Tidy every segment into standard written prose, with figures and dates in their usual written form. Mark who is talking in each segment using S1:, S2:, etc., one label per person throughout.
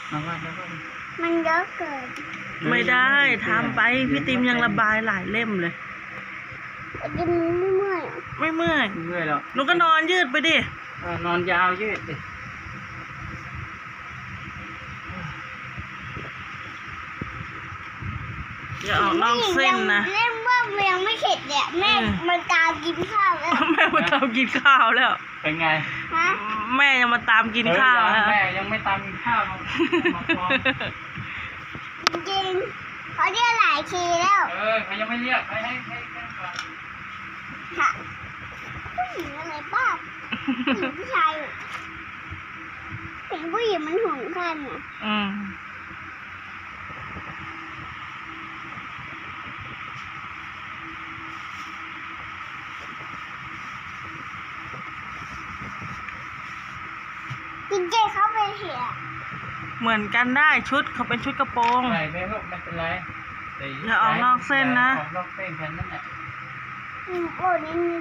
S1: มันเยอะเกิน
S2: ไม่ได้ทำไปพี่ติมยังระบายหลายเล่มเลย
S1: กินไม่เมื่อย
S2: ไม่เมื่อย
S3: เมื่อยหรอก
S2: หนูก็นอนยืดไปดิ
S3: นอนยาวยืดดิ
S2: อย่าออกนอกเส้นนะ
S1: เล่นว่ายังไม่เสร็จเนี่ยแม่มันตามกินข้าวแล้ว
S2: แม่มาตามกินข้าวแล้ว
S3: เป็นไง
S1: ฮะ
S2: แม่ยังมาตามกินข้าวแล้ว
S3: แม่ยังไม่ตามกินข้าว
S1: จริงเขาเรียกหลายทีแล้ว
S3: เขายังไม่เรียกให้ก่อน
S1: ค่ะผู้หญิงอะไรบ้างผู้หญิงผู้ชายเห็นผู้หญิงมันห่วงกันอ่ะจริงๆเขาเป็นเหี้ย
S2: เหมือนกันได้ชุดเขาเป็นชุดกระโปรง
S3: ใส่ไปลูกไม่เป็นไร
S2: อย่าออกนอกเส้นนะ
S3: ออกนอกเส้นแค่นั้นแหละ
S1: โอ้นี่นี่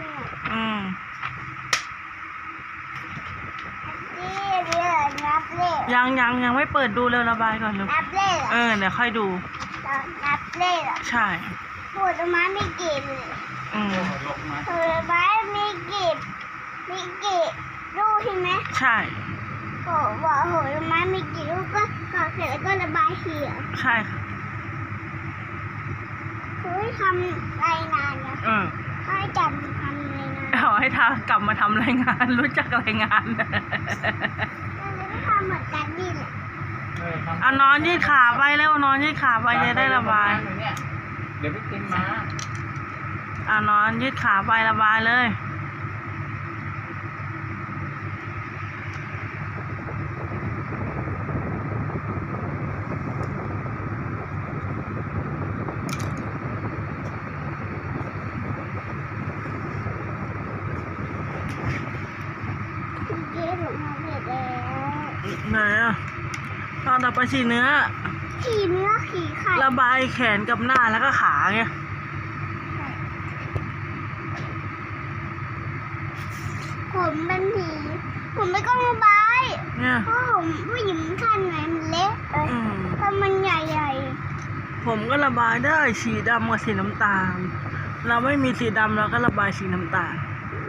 S1: นับเลข
S2: ยังไม่เปิดดูเลยระบายก่อนลูก
S1: นับเลข
S2: เดี๋ยวค่อยดู
S1: นับเลข
S2: ใช่
S1: ผลไม้มีกี่เลยผลไม้มีกี่ลูกใช่ไหม
S2: ใช่
S1: บอกผลไม้มีกี่ลูกก็ก่อเสร็จแล้วก็ระบายเขียว
S2: ใช่ค่ะ
S1: คือทำรายงานนะให้จำทำรายงาน
S2: ให้ทากลับมาทำรายงานรู้จักรายงาน
S1: แล้วก็ทำเหมือนกันนี่แหละ
S2: เอานอนยืดขาไปแล้วนอนยืดขาไปจะได้ระบาย
S3: เดี๋ยวพี่ติมมา
S2: เอานอนยืดขาไประบายเลยไหนอ่ะตอนต่อไปสีเนื้อ
S1: ขี่ไข่
S2: ระบายแขนกับหน้าแล้วก็ขาไง
S1: ผมเป็นผีผมไม่ก็ระบายเนี่ยเพราะผมผู้หญิงขั้นไหนมันเล็กถ้ามันใหญ่
S2: ผมก็ระบายได้สีดำกับสีน้ำตาลเราไม่มีสีดำเราก็ระบายสีน้ำตาล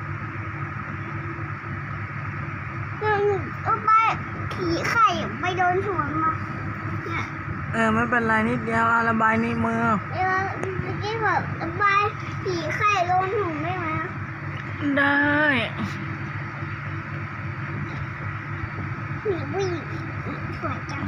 S1: ขี่ไข่ไปโดนหัวมา
S2: เนี่ยไม่เป็นไรนิดเดียวระบายในมือ
S1: เมื่อกี้แบบระบายขี่ไข่โดนหัวได้ไหม
S2: ได้
S1: มีผู้หญิงสวยจัง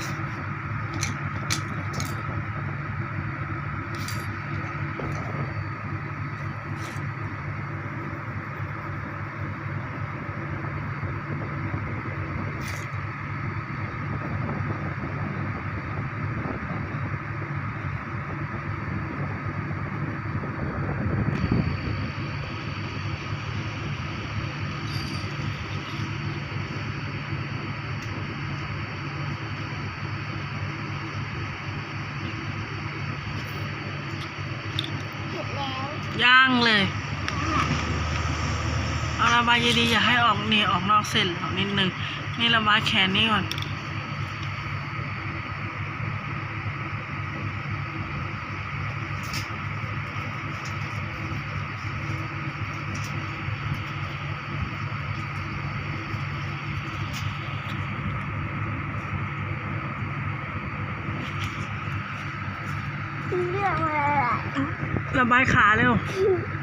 S2: ย่างเลยเอาระบายดีๆอย่าให้ออกนี่ออกนอกเส้นออกนิดนึงนี่ระบายแขนนี่ก่อน
S1: เรื่องอะไร
S2: ระบายขาเร็ว